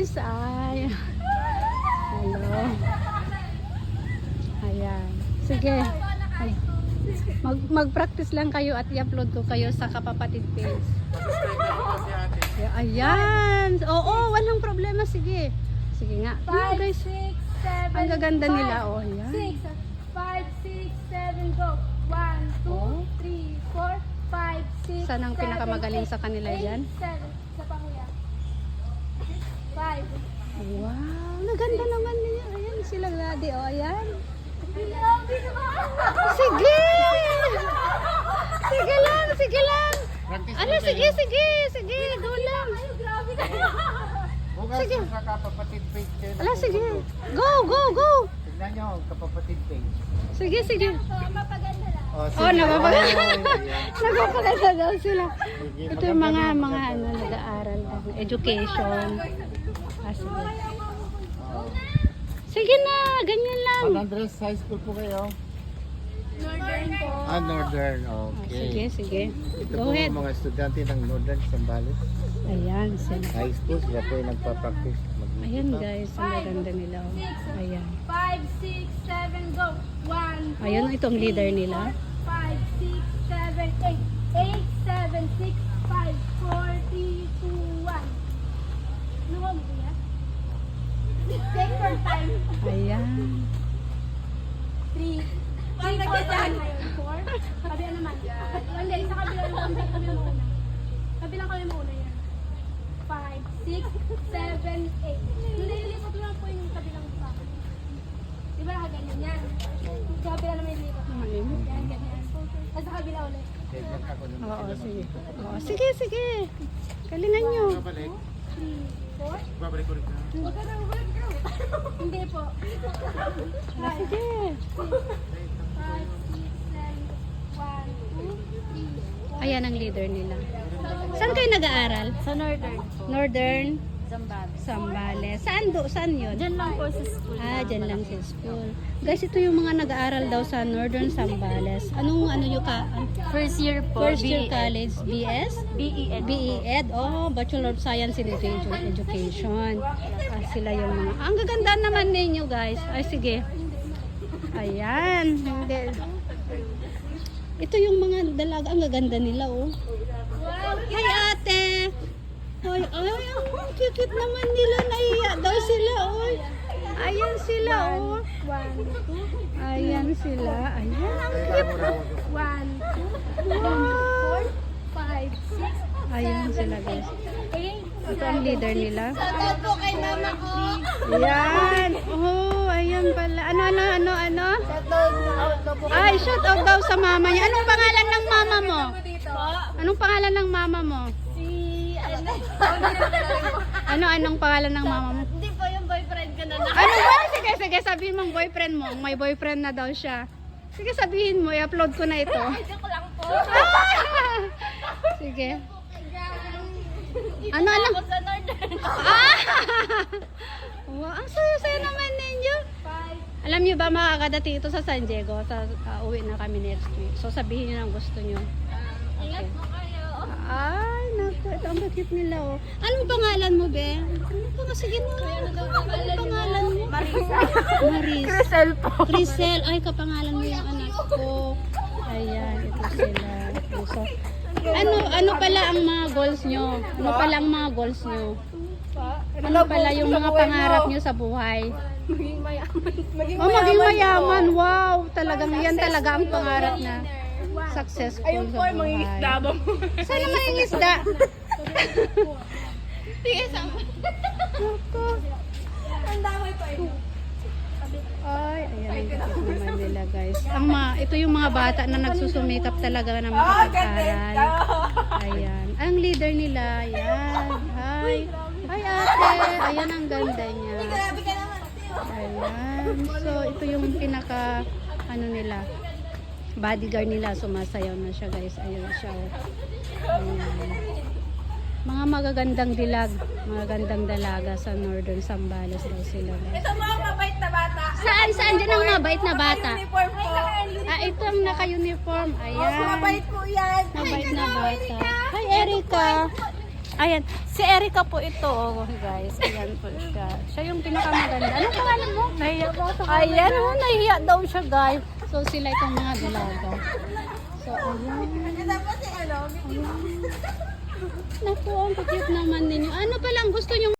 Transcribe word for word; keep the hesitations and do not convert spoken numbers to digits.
guys. Ay. Hello. Ayan. Sige. Ay. Mag mag-practice lang kayo at i-upload ko kayo sa Kapapatid page. Ayan. Oo, walang problema. Sige. Sige nga. Ayan, guys. Ang gaganda nila. Oh, ayan. five, six, seven, go. one, two, three, four, five, six, Saan ang pinakamagaling sa kanila dyan? seven. Sa panguya. five. Wow. Naganda naman niya. Ayan sila daddy. Oh, ayan. Sige! Sige lang, sige lang. Ano, sige, sige, sige. Go lang. Grabe kayo. Sige. Sa Kapapatid page kayo. Ala, sige. Go, go, go. Tignan nyo ang Kapapatid page. Sige, sige. Mapaganda lang. Oh, napapaganda. Ayan. Napapaganda daw sila. Sige, Ito yung mga, maganda, mga maganda. ano, nag-aaral lang. Education. Ah, sige. Sige na, ganyan lang. San Andres High School po kayo? Northern po. Ah, Northern. Ah, sige, Okay. sige. Ito Go po ahead. ang mga estudyante ng Northern Sambales Ayan, sila. High School. Sila po yung nagpa-practice. mag-music Ayan pa. guys, ang maganda nila. Oh. Ayan. five, six, seven, go. one, two, Ayun, itong leader nila. five, six, seven, eight. eight, seven, six, five, four, three, two, one. Luwag mo yan. Take your time. Ayan. three. three, four, one. four. Kabila naman. Hindi, sa kabila naman. Kabila mo una. Kabila kami muna yan. five, six, seven, eight. Nililipat lang po yung kabilang sa akin. Di ba ganyan yan? Sa kabila naman yung lipat. Ayun. Yan, ganyan. At sa kabila ulit. Tignan ako ng Oo, sila sige. mag- Oo, sige, sige. Galingan nyo. Babalik. three, four. Babalik ulit na. Huwag ka na, huwag ka. Hindi po. Ah, sige. five, six, seven, one, two, three, four. Ayan ang leader nila. Saan kayo nag-aaral? Sa northern po. Northern Zambales. Sambales. Saan do? Saan yun? Diyan lang po sa school. Ah, dyan lang sa school. Guys, ito yung mga nag-aaral daw sa Northern Sambales. Anong ano yung ka? First year po. First year college, B S? B E N. B E Ed, oh, Bachelor of Science in Edu- Education. Ah, sila yung mga, ang gaganda naman ninyo guys. Ay, sige. Ayan. Hindi. Ito yung mga dalaga, ang gaganda nila, oh. Hi, ate. Ay, ay, ang cute naman nila. Naiya daw sila, oh. Ayan sila, oh. One, two, Ayan sila. Ayan, ang cute. one, two, Wow. four, five, six, Ayan sila, guys. eight. Ito ang leader nila. Shoutout po kay mama ko. Ayan. Oh, ayan pala. Ano, ano, ano, ano? Shoutout po. Ay, shout out daw sa mama niya. Anong pangalan ng mama mo? Dito. Anong pangalan ng mama mo? Si, ano? Ano, anong pangalan ng mama mo? Hindi po yung boyfriend ko na na. Ano ba? Sige, sige, sabihin mong boyfriend mo. May boyfriend na daw siya. Sige, sabihin mo. I-upload ko na ito. Ay, joke lang po. Ah! Sige. Ano, ano? Ako sa northern. Ah! Wow, ang saya-saya naman ninyo. Five. Alam niyo ba makakadating ito sa San Diego? Sa, uh, uwi na kami next week. So sabihin niyo ang gusto niyo. Ingat po kayo. Ay, naku, ito ang bakit nila oh. Anong pangalan mo, be? Ano pa nga? Sige na. Anong pangalan mo? Marisa. Maris. Crisel po. Crisel. Ay, kapangalan mo yung anak ko. Ayan, ito sila. Ito, so, ano, ano pala ang mga goals nyo? Ano pala ang mga goals nyo? Ano pala yung mga pangarap nyo sa buhay? Maging mayaman. Maging Oh, maging mayaman. Wow, talagang yan talaga ang pangarap na successful Ayun po, sa mga buhay. isda ba mo? Saan naman yung isda? Sige, sama. Naku. Ang damay pa ito. Ay, ayan ang kapit naman nila guys. Ang mga, ito yung mga bata na nagsusumikap talaga na makapag-aral. Ayan. Ang leader nila, ayan. Hi. Hi ate. Ayan ang ganda niya. Grabe ka naman. Ayan. So, ito yung pinaka, ano nila, bodyguard nila. Sumasayaw na siya guys. Ayun siya. Ayan. Mga magagandang dilag, magagandang dalaga sa Northern Sambales daw sila. Guys. Ito mga mabait na bata. Saan? Saan dyan ang mabait na bata? Uniform po. Ah, ito ang naka-uniform. Ayan. Mabait po yan. Mabait na bata. Hi, Erica. Ayan, si Erica po ito, oh, guys. Ayan po siya. Siya yung pinakamaganda. Anong pangalan mo? Nahiya po ako. Ayan, oh, nahiya daw siya, guys. So, sila itong mga dalaga. So, ayan. Ayan. Naku, ang cute naman ninyo. Ano pa lang gusto nyo